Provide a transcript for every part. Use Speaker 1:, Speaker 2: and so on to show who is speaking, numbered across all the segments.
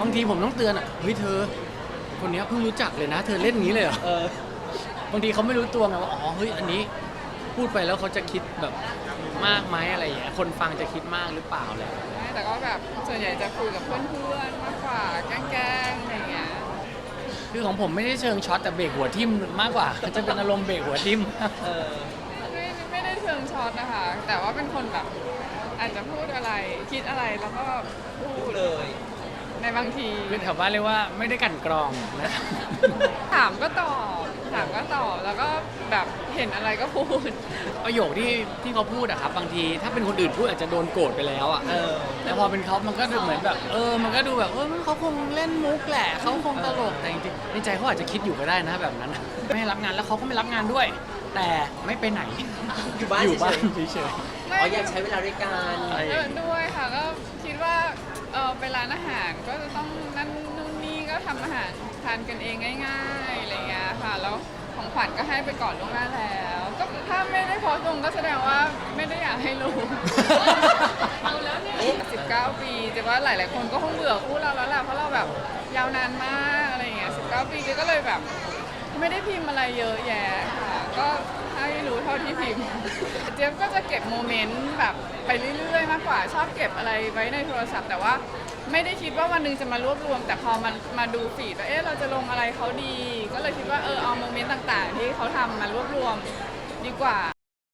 Speaker 1: บางทีผมต้องเตือนอ่ะเฮ้ยเธอคนนี้เพิ่งรู้จักเลยนะเธอเล่นงี้เลยเหรอบางทีเขาไม่รู้ตัวไงว่าอ๋อเฮ้ยอันนี้พูดไปแล้วเขาจะคิดแบบมากไหมอะไรอย่างเงี้ยคนฟังจะคิดมากหรือเปล่าอะไรอย่างเลย
Speaker 2: แต่ก็แบบส่วนใหญ่จะคุยกับเพื่อนๆมากกว่าแกล้งๆอะไรเงี้ย
Speaker 1: คือของผมไม่ได้เชิงช็อตแต่เบรกหัวทิ่มมากกว่าจะเป็นอารมณ์เบรกหัวทิ่ม
Speaker 2: ไม่ได้เชิงช็อตนะคะ แต่ว่าเป็นคนแบบอาจจะพูดอะไรคิดอะไรแล้วก็พูดเลยในบางที
Speaker 1: คือแถวบ้านเรียกว่าไม่ได้กลั่นกรองนะ
Speaker 2: ถามก็ตอบแล้วก็แบบเห็นอะไรก็พูด
Speaker 1: ประโยคที่เขาพูดอะครับบางทีถ้าเป็นคนอื่นพูดอาจจะโดนโกรธไปแล้วอะแต่พอเป็นเขามันก็ดูเหมือนแบบมันก็ดูแบบเขาคงเล่นมุกแหละเขาคงตลกแต่จริงๆในใจเขาอาจจะคิดอยู่ก็ได้นะแบบนั้นไม่ให้รับงานแล้วเขาก็ไม่รับงานด้วย แต่ไม่ไปไหน
Speaker 3: อยู่บ้าน
Speaker 1: อยู่บ้านเฉย
Speaker 3: อ๋ออยากใช้เวลาด้วยกัน
Speaker 1: ๆอะไรอย่างเงี้ย
Speaker 2: ด้วยค่ะก็คิดว่าไปร้านอาหารก็จะต้องนั่นนู่นนี่ก็ทำอาหารทานกันเองง่ายๆอะไรเงี้ยค่ะแล้วของขวัญก็ให้ไปก่อนล่วงหน้าแล้วก็ถ้าไม่ได้โพสต์ลงก็แสดงว่าไม่ได้อยากให้รู้ เอาแล้วเนี่ย19 ปีแต่ว่าหลายๆคนก็คงเบื่อคู่เราแล้วแหละเพราะเราแบบยาวนานมากอะไรเงี้ย19 ปีก็เลยแบบไม่ได้พิมพ์อะไรเยอะแยะค่ะก็ให้รู้เท่าที่พิมพ์ เจี๊ยบก็จะเก็บโมเมนต์แบบไปเรื่อยๆมากกว่าชอบเก็บอะไรไว้ในโทรศัพท์แต่ว่าไม่ได้คิดว่าวันหนึงจะมารวบรวม แต่พอมันมาดูฟีดว่าเราจะลงอะไรเขาดี ก็เลยคิดว่าเอาโมเมนต์ต่างๆ ที่เขาทำมารวบรวมดีกว่า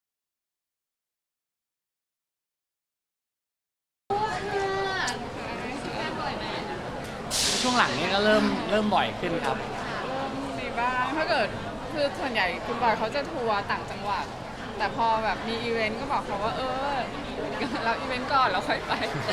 Speaker 1: ช่วงหลังนี้ก็เริ่มบ่อยขึ้นครับ
Speaker 2: มีบ้างถ้าเกิดคือส่วนใหญ่คุณบอยเขาจะทัวร์ต่างจังหวัด แต่พอแบบมีอีเวนต์ก็บอกเขาว่าเราอีเวนต์ก่อนแล้วค่อยไป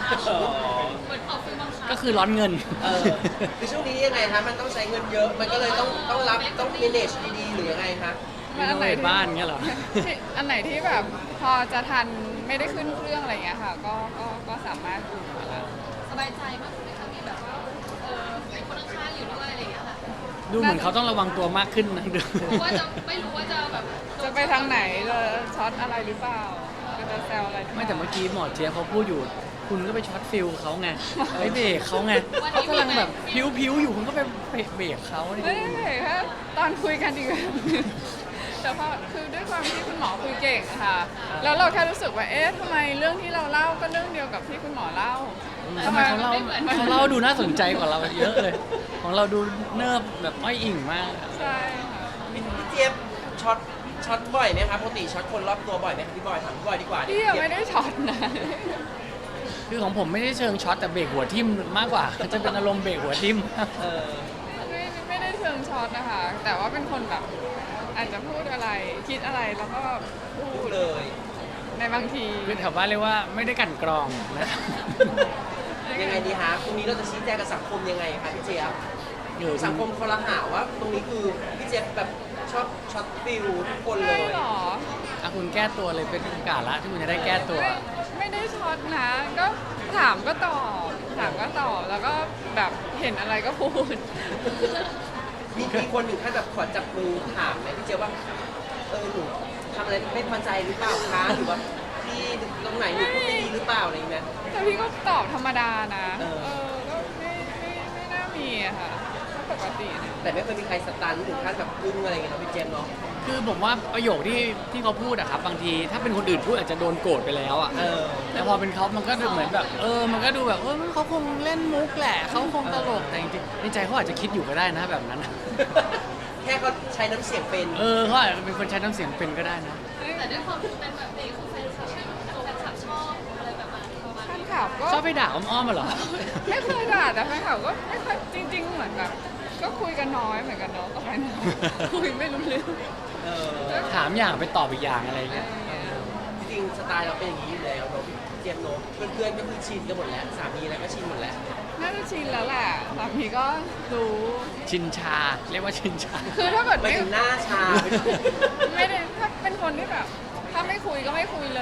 Speaker 1: ก็คือร้อนเงิน
Speaker 3: คือช่วงนี้ยังไงคะมันต้องใช้เงินเยอะ มันก็เลยต้องรับต้อง manage ดีๆหรือยังไงคะ
Speaker 1: ไม่ต้องไปบ้านเงี้ยเหรอ
Speaker 2: อันไหนที่แบบพอจะทันไม่ได้ขึ้นเครื่องอะไรเงี้ยค่ะก็สามารถดูมาแล้ว
Speaker 4: สบายใจมากเลยค่ะมีแบบว่ามีคนข้างๆอยู่ด้วยอะไรอย่างเงี้ยค่ะ
Speaker 1: ดูเหมือนเขาต้องระวังตัวมากขึ้นนะดู
Speaker 4: ว่าจะไม่รู้ว่าจะแบบ
Speaker 2: จะไปทางไหนจะช็อตอะไรหรือเปล่าจะแซวอะไรหรือเปล่า
Speaker 1: ไม่แต่เมื่อกี้หมอเจี๊ยบเขาพูดอยู่ คุณก็ไปช็อตฟิลเขาไงไปเบรกเขาไงเขากำลังแบบพิ้วๆอยู่คุณก็ไปเบรกเขาเนี่ย
Speaker 2: ไม่ได้เลยค่ะตอนคุยกันดีกว่าแต่พอคือด้วยความที่คุณหมอคุยเก่งอะค่ะ แล้วเราแค่รู้สึกว่าทำไมเรื่องที่เราเล่าก็เรื่องเดียวกับที่คุณหมอเล่า
Speaker 1: ทำไมเขาเล่าดูน่าสนใจกว่าเราเยอะเลย ของเราดูเนิบแบบอ้อยอิ่งมาก
Speaker 2: ใช่ค่ะ
Speaker 3: พี่เจี๊ยบช็อตบ่อยไหมคะปกติช็อตคนรอบตัวบ่อยไหมพี่บอยถามพี่บอยดีกว่า
Speaker 2: พี่ยังไม่ได้ช็อตนะ
Speaker 1: คือของผมไม่ได้เชิงช็อตแต่เบรกหัวทิ่มมากกว่าจะเป็นอารมณ์เบรกหัวทิ่ม
Speaker 2: ไม่ได้เชิงช็อตนะคะ แต่ว่าเป็นคนแบบอาจจะพูดอะไรคิดอะไรแล้วก็พูด
Speaker 3: เลย
Speaker 2: ในบางที
Speaker 1: คือแถวบ้านเรียกว่าไม่ได้กลั่นกรองนะ
Speaker 3: ยังไงดีคะตรงนี้เราจะชี้แจงกับสังคมยังไงคะพี่เจี๊ยบ
Speaker 1: หรือ
Speaker 3: สังคมเขาละหาว่าตรงนี้คือพี่เจี๊ยบแบบชอบช็อตฟิลทุกคนเล
Speaker 2: ไม่
Speaker 3: ย
Speaker 2: หรอ
Speaker 1: คุณแก้ตัวเลยเป็นโอกาสละที่คุณจะได้แก้ตัว
Speaker 2: ไม่ได้ช็อตนะ ก็ถามก็ตอบแล้วก็แบบเห็นอะไรก็พูด
Speaker 3: มีคนถึงขั้นแบบขอจับมือถามไหมพี่เจี๊ยบว่าหนูทำอะไรไม่พอใจหรือเปล่าคะหรือว่าพี่ตรงไหนหนูพูดไม่ดีหรือเปล่าอะไรอย่างเงี้ย
Speaker 2: แต่พี่ก็ตอบธรรมดานะ
Speaker 3: เออ
Speaker 2: ก็ไม่น่ามีอะค่ะก็ปกตินะ
Speaker 3: แต่ไม่เคยมีใครสตันถึงขั้นแบบอึ้งอะไรอย่างเงี้ยเนาะพี่เจี๊ยบเนาะ
Speaker 1: คือผมว่าประโยคที่เขาพูดอะครับบางทีถ้าเป็นคนอื่นพูดอาจจะโดนโกรธไปแล้วอะแต่พอเป็นเขามันก็ดูเหมือนแบบมันก็ดูแบบเขาคงเล่นมุกแหละเขาคงตลกแต่จริงๆในใจเขาอาจจะคิดอยู่ก็ได้นะแบบนั้น
Speaker 3: แค่เขาใช้น้ำเสียงเป็น
Speaker 1: เขาอาจจะเป็นคนใช้น้ำเสียงเป็นก็ได้นะ
Speaker 4: แต่ด้วยความเป็นแบบนี้คือแฟนคลับชอบอะไรแบบนี้ประมาณ
Speaker 2: แฟน
Speaker 4: นี้
Speaker 2: คลับก็
Speaker 1: ชอบไปด่าอ้อมๆมาเหรอ
Speaker 2: ไม่เคยด่าแต่แฟนคลับก็ไม่ค่อยจริง ๆ เหมือนแบบก็คุยกันน้อยเหมือนกันเนาะกับแฟนคลับคุยไม่รู้เรื่อง
Speaker 3: เออ
Speaker 1: ถามอย่างไปตอบอีกอย่างอะไรเงี้ย
Speaker 3: จริงๆสไตล์เราเป็นอย่างนี้อยู่แล้วเนาะพี่เจี๊ยบเนาะเพื่อนๆก็คือชินกันหมดแล้วสามีแล้วก็ชินหมดแล้ว
Speaker 2: น่าจะชินแล้วแหละสามีก็รู้
Speaker 1: ชินชาเรียกว่าชินชา
Speaker 2: คือถ้าเกิด
Speaker 3: ไปถึงหน้าชา
Speaker 2: ไม่ได้ถ้าเป็นคนที่แบบ ถ้าไม่คุยก็ไม่คุยเลย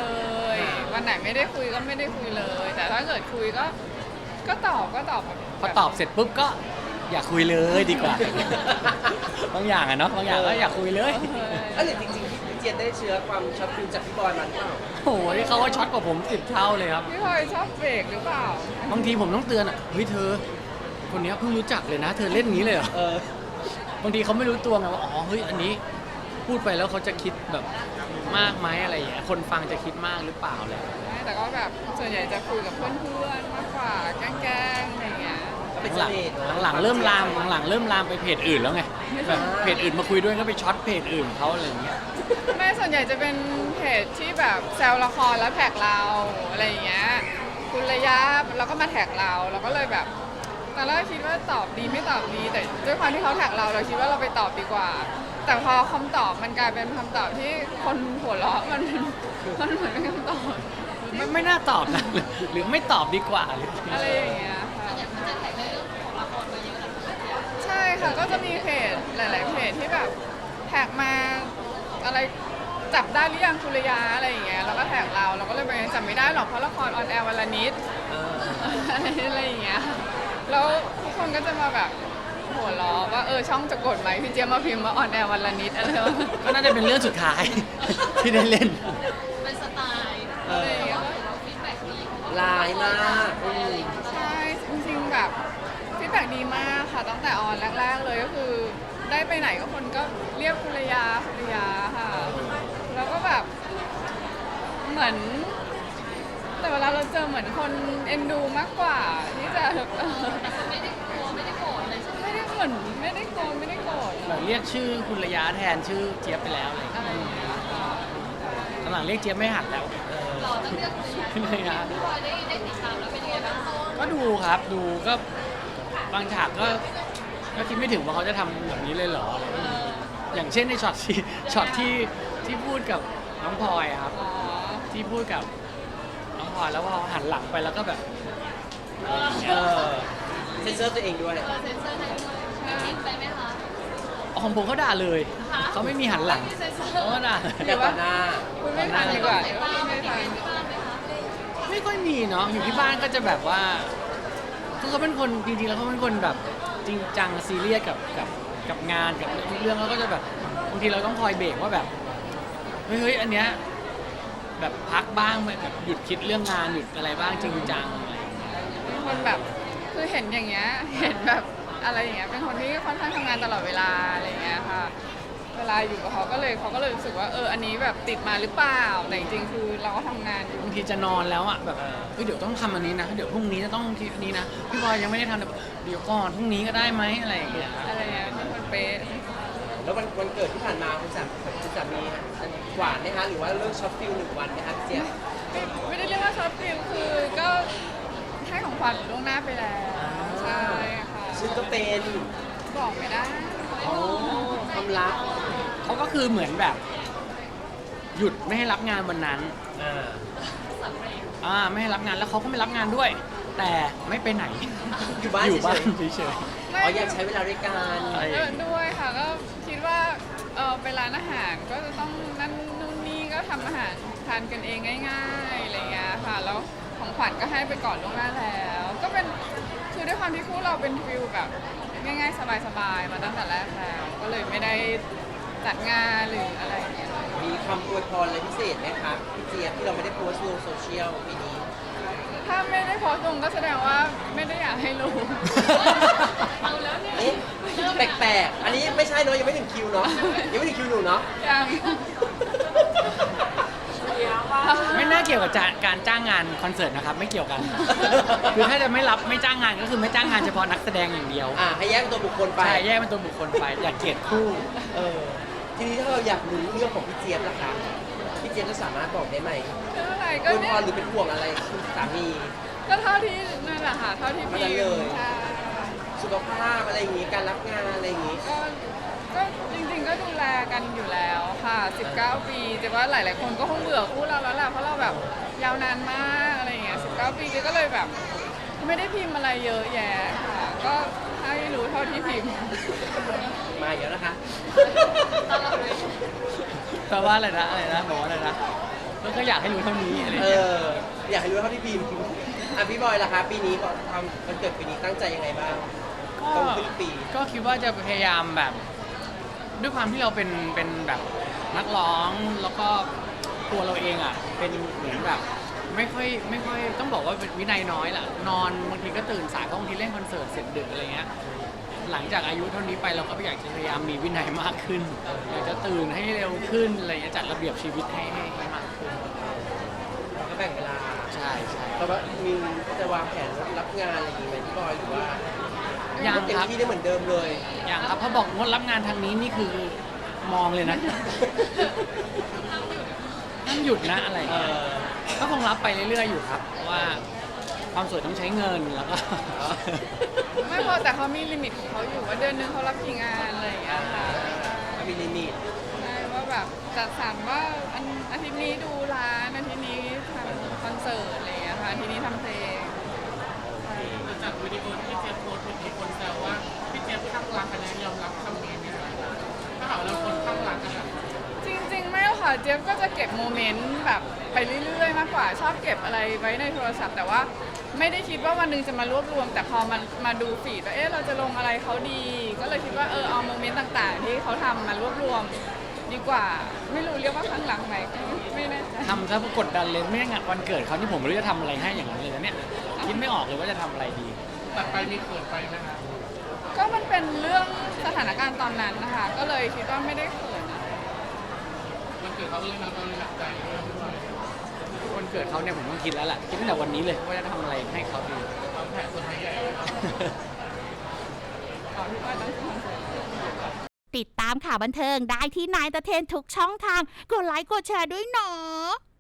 Speaker 2: วันไหนไม่ได้คุยก็ไม่ได้คุยเลย แต่ถ้าเกิดคุยก็ตอบแบบ
Speaker 1: พอตอบเสร็จปุ๊บก็อยากคุยเลยดีกว่า บางอย่างอะเนาะบางอย่างก็อยากคุยเลย
Speaker 3: หรือจริงๆพี่เจี๊ยบได้เชื้อความช็อตฟิลจากพี่บอยมาหรือเปล่า
Speaker 1: โอ้โหนี่เขาก็ช็อตกว่าผม10 เท่าเลยครับ
Speaker 2: พี่พลอยชอบเบรกหรือเปล่า
Speaker 1: บางทีผมต้องเตือนอ่ะเฮ้ยเธอ คคนเนี้ยเพิ่งรู้จักเลยนะ เธอเล่นงี้เลยเหรอ
Speaker 3: เออบ
Speaker 1: างทีเขาไม่รู้ตัวไงว่าอ๋อเฮ้ยอันนี้พูดไปแล้วเขาจะคิดแบบมากไหมอะไรอย่างเงี้ยคนฟังจะคิดมากหรือเปล่าอะไรอย่างเงี้ย
Speaker 2: แต่ก็แบบส่วนใหญ่จะคุยกับเพื่อนๆมากกว่าแกล้งๆอะไรเงี้ย
Speaker 3: ก็เป็นเสน่ห์เนอะ
Speaker 1: หลังๆเริ่มลามหลังๆเริ่มลามไปเพจอื่นแล้วไงแบบเพจอื่นมาคุยด้วยก็ไปช็อตเพจอื่นเขาอะไรอย่างเงี้ย
Speaker 2: ไม่ส่วนใหญ่จะเป็นเพจที่แบบแซวละครแล้วแท็กเราอะไรอย่างเงี้ยคุณระยะแล้วก็มาแท็กเราก็เลยแบบตอนแรกคิดว่าตอบดีไม่ตอบดีแต่ด้วยความที่เขาแท็กเราคิดว่าเราไปตอบดีกว่า แต่พอคำตอบมันกลายเป็นคำตอบที่คนหัวเราะมันเหมือนเป็นคำตอบ
Speaker 1: ไม่น่าตอบนะ หรือไม่ตอบดีกว่าหรือ
Speaker 2: อะไรอย่างเงี้ยค่ะ
Speaker 4: อยากจะแต่งในเรื่องของละครมาเยอะแล้ว
Speaker 2: ใช่ค่ะก็จะมีเพจหลาย ๆ เพจที่แบบแท็กมาอะไรจับได้หรือยังคุณระยะอะไรอย่างเงี้ยแล้วก็แท็กเราก็เลยไปจับไม่ได้หรอกเพราะละครออนแอร์วันละนิด
Speaker 3: เออ
Speaker 2: อะไรอย่างเงี้ย แล้วทุกคนก็จะมาแบบหัวล้อว่าช่องจะกดไหมพี่เจี๊ยบมาพิมพ์ว่าออนแอร์วันละนิดอะไรวะ
Speaker 1: ก็น่าจะเป็นเรื่องสุดท้าย ที่ได้เล่น
Speaker 4: เป็นสไตล์
Speaker 3: เอ
Speaker 2: อะไร
Speaker 3: อ
Speaker 2: อย่างเงี้ย
Speaker 4: ฟีดแบ็กดี
Speaker 3: ลายมากอืม
Speaker 2: ใช่จริงๆแบบฟีดแบ็กดีมากค่ะตั้งแต่ออนแรก ๆ เลยก็คือได้ไปไหนก็คนก็เรียกคุณระยะค่ะ แล้วก็แบบเหมือน แต่เวลาเราเจอเหมือนคนเอ็นดูมากกว่าที่จะ
Speaker 4: ไม่ได้กลัวไม่ได้โกรธเลยใช่ไหม
Speaker 2: ไม่ได้เหมือนไม่ได้โกรธไม่ได้โกรธ
Speaker 1: แบบเรียกชื่อคุณระยะแทนชื่อเจี๊ยบไปแล้วอะไรอย่าง
Speaker 2: อะไร
Speaker 1: เงี้ย
Speaker 2: อย่างเงี้ยค่ะ
Speaker 1: หลังๆเรียกเจี๊ยบไม่หัดแล้ว
Speaker 4: เราต้องเลือกคุณ
Speaker 1: เลยนะ
Speaker 4: พี่บอยได้ติดตามแล้วเป็นยังไงบ้าง
Speaker 1: ก็ดูครับดูก็บางฉากก็คิดไม่ถึงว่าเขาจะทำแบบนี้เลยเหรออะไรอย่างเงี้ยอย่างเช่นในช็อตที่พูดกับน้องพลอยอะครับ
Speaker 2: อ๋อ
Speaker 1: ที่พูดกับน้องพลอยแล้วพอหันหลังไปแล้วก็แบบ
Speaker 3: เออเซนเซอร์ตัวเองด้วย
Speaker 4: เซ็นเซอร์ให้ด้วยมีทิ้งไปไหมคะ
Speaker 1: ของผมเขาด่าเลยเขาไม่มีหันหลัง
Speaker 4: มีเซ็นเซอร์
Speaker 1: เขาก็ด่า
Speaker 3: แต่ต่อหน้า
Speaker 2: คุณไม่ทันดีกว่า
Speaker 4: สายตา
Speaker 2: ไม่
Speaker 4: ไม่
Speaker 2: ทัน
Speaker 4: เห็นที่บ้านไหมคะ
Speaker 1: ไม่ค่อยมีเนาะอยู่ที่บ้านก็จะแบบว่าคือเขาเป็นคนจริงๆแล้วเขาเป็นคนแบบจริงจังซีเรียสกับงานกับทุกเรื่องแล้วก็จะแบบบางทีเราต้องคอยเบรกว่าแบบเฮ้ยอันเนี้ยแบบพักบ้างแบบหยุดคิดเรื่องงานหยุดอะไรบ้างจริงจังอะไรอย่างเงี้ย
Speaker 2: เป็นคนแบบคือเห็นอย่างเงี้ยเห็นแบบอะไรอย่างเงี้ยเป็นคนที่ค่อนข้างทำงานตลอดเวลาอะไรอย่างเงี้ยค่ะ เวลาอยู่กับเขาก็เลยรู้สึกว่าอันนี้แบบติดมาหรือเปล่าแต่จริงๆคือเราก็ทำงานอยู่
Speaker 1: บางทีจะนอนแล้วอ่ะแบบเฮ้ยเดี๋ยวต้องทำอันนี้นะเดี๋ยวพรุ่งนี้จะต้องทีนี้นะพี่บอยยังไม่ได้ทำเดี๋ยวก่อนพรุ่งนี้ก็ได้ไหมอะไรอย่างเงี้ย
Speaker 2: อะไรเงี้ยเป็นคนเป๊ะ
Speaker 3: แล้ววันเกิดที่ผ่านมาคุณสามีหวานไหมคะหรือว่าเลิกช็อปฟิล1 วันไหมคะพี่เจี๊ยบ
Speaker 2: ไม่ได้เรียกว่าช็อปฟิลคือก็ให้ของขวัญล่วงหน้าไปแล้วใช่ค่ะ
Speaker 3: ซึ่งก็เป็น
Speaker 2: บอกไม่ได้
Speaker 3: โอ้ความรัก
Speaker 1: เขาก็คือเหมือนแบบ หยุดไม่ให้รับงานวันนั้น ไม่ให้รับงานแล้วเขาก็ไม่รับงานด้วย แต่ไม่ไปไหน
Speaker 3: อยู่บ้าน
Speaker 1: อยู่บ้าน
Speaker 3: เฉย
Speaker 1: เฉย
Speaker 3: ๆอ๋ออยากใช้เวลาด้วยกัน
Speaker 1: อะไร
Speaker 2: ด้วยค่ะก็คิดว่าไปร้านอาหารก็จะต้องนั่นนู่นนี่ก็ทำอาหารทานกันเองง่ายๆอะไรเงี้ยค่ะแล้วของขวัญก็ให้ไปก่อนล่วงหน้าแล้ว ก็เป็นคือด้วยความที่คู่เราเป็นฟิลแบบง่ายๆสบายๆมาตั้งแต่แรกแล้วก็เลยไม่ได้จัดงานหรืออะไรอย่างเงี้ย
Speaker 3: มีคำอวยพรอะไรพิเศษไหมคะพี่เจี๊ยบที่เราไม่ได้โพสต์ลงโซเชียลปีนี้
Speaker 2: ถ้าไม่ได้โพสต์ลงก็แสดงว่าไม่ได้อยากให้รู้
Speaker 4: เอาแล้วเนี่ย
Speaker 3: เอ๊ะแปลกๆ อันนี้ไม่ใช่เนาะยังไม่ถึงคิวเนาะยังไม่ถึงคิวหนูเนาะ
Speaker 2: ยัง
Speaker 1: ไม่น่าเกี่ยวกับการจ้างงานคอนเสิร์ตนะครับ ไม่เกี่ยวกัน คือถ้าจะไม่จ้างงานก็คือไม่จ้างงานเฉพาะนักแสดงอย่างเดียว
Speaker 3: ให้แยกเป็นตัวบุคคลไป
Speaker 1: ใช่แยกเป็นตัวบุคคลไป อย่าเกลียดคู่
Speaker 3: เออทีนี้ถ้าเราอยากรู้เรื่องของพี่เจี๊ยบล่ะคะพี่เจี๊ยบจะสามารถบอกได้ไหม
Speaker 2: ไม่เป็นไร
Speaker 3: อ
Speaker 2: ก็
Speaker 3: วยพ
Speaker 2: เนี่ย
Speaker 3: รหรือเป็นห่วงอะไรคุณสามี
Speaker 2: ก็เท่าที่นั่นแหละค่ะเท่าที่
Speaker 3: เท่า
Speaker 2: พี่
Speaker 3: นั้นเลย
Speaker 2: ใช่
Speaker 3: สุขภาพอะไรอย่างงี้การรับงานอะไรอย่างงี้
Speaker 2: ก็จริงๆก็ดูแลกันอยู่แล้วค่ะ 19 ปีแต่ว่าหลายๆคนก็คงเบื่อคู่เราแล้วแหละเพราะเราแบบยาวนานมากอะไรอย่างเงี้ย19 ปีก็เลยแบบไม่ได้พิมพ์อะไรเยอะแยะค่ะ ก็ให้รู้เท่าที่พิมพ์
Speaker 3: มาอีกแล้วนะคะ
Speaker 1: แปลว่าอะไรนะบอกว่าอะไรนะก็อยากให้รู้เท่านี้อะไรอย่าง
Speaker 3: เอ
Speaker 1: เงี้ย
Speaker 3: ออยากให้รู้เท่าที่พิมพ์พี่บอยล่ะคะปีนี้ความวันเกิดปีนี้ตั้งใจยังไงบ้างต้องขึ้นปี
Speaker 1: ก็คิดว่าจะพยายามแบบ ด้วยความที่เราเป็นแบบนักร้องแล้วก็ตัวเราเองอ่ะเป็นเหมือนแบบไม่ค่อยต้องบอกว่าเป็นวินัยน้อยแหละนอนบางทีก็ตื่นสายบางทีเล่นคอนเสิร์ตเสร็จดึกอะไรเงี้ยหลังจากอายุเท่านี้ไปเราก็อยากจะพยายามมีวินัยมากขึ้นอยากจะตื่นให้เร็วขึ้นอะไรเงี้ยจัดระเบียบชีวิตให้มากขึ้น
Speaker 3: เราก็แบ่งเวลา
Speaker 1: ใช่ใช่
Speaker 3: แต่ว่ามีจะวางแผนรับงานอะไรอย่างงี้ไหมพี่บอยหรือว่า
Speaker 1: ยัง
Speaker 3: เต็ม
Speaker 1: ครับ
Speaker 3: ที่ได้เหมือนเดิมเลย
Speaker 1: อย่างครับพอบอกงดรับงานทางนี้นี่คือมองเลยนะห้ามหยุดนะอะไร
Speaker 3: เอ
Speaker 1: เงี้ย
Speaker 3: อ
Speaker 1: ก็คงรับไปเรื่อยๆอยู่ครับเพราะว่าความสวยต้องใช้เงินแล้วก็
Speaker 2: ไม่พอแต่เขามีลิมิตของเขาอยู่ว่าเดือนนึงเขารับกี่งานอะไรอย่างเงี้ยค่ะ
Speaker 3: มีลิมิต
Speaker 2: ใช่ว่าแบบจัดสรรว่าอาทิตย์นี้ดูร้านอาทิตย์นี้ทำคอนเสิร์ตอะไรอย่างเงี้ยค่ะอาทิตย์นี้ทำเพลง
Speaker 5: จากวิดีโอที่พี่เจี๊ยบโพสต์มีคนแซวว่าพี่เจี๊ยบข้างรักกันนะยอมรับคำนี้ไหมคะถ้าหากว่าเราคนข้างรักกันอะ
Speaker 2: จริงๆไม่หรอกค่ะเจี๊ยบก็จะเก็บโมเมนต์แบบไปเรื่อยๆมากกว่าชอบเก็บอะไรไว้ในโทรศัพท์ แต่ว่าไม่ได้คิดว่าวันหนึงจะมารวบรวม แต่พอมันมาดูฟีดว่าเราจะลงอะไรเขาดี ก็เลยคิดว่าเอาโมเมนต์ต่างๆ ที่เขาทำมารวบรวมดีกว่า ไม่รู้เรียกว่าข้างหลังไหมไม่แน่ใจ
Speaker 1: ทำซะกดดันเลยไม่งั้นวันเกิดเขาที่ผมไม่รู้จะทำอะไรให้อย่างนั้นเลยนะเนี่ยคิดไม่ออกเลยว่าจะทำอะไรดี
Speaker 5: ตัดไปมีเขินไปไหมคะ
Speaker 2: ก็มันเป็นเรื่องสถานการณ์ตอนนั้นนะคะก็เลยคิดว่าไม่ได้เขินอะไร
Speaker 5: มันเกิดเขาเลยนะเราเลยหนักใจด้วย
Speaker 1: วันเกิดเขาเนี่ยผมต้องคิดแล้วแหละคิดตั้งแต่วันนี้เลยว่าจะทำอะไรให้เขาดี
Speaker 5: วางแผนตัวใหญ่
Speaker 2: ก่อนที่ว่าต้องทำ
Speaker 6: ติดตามข่าวบันเทิงได้ที่นายตะเทนทุกช่องทาง กดไลค์กดแชร์ด้วยเนาะ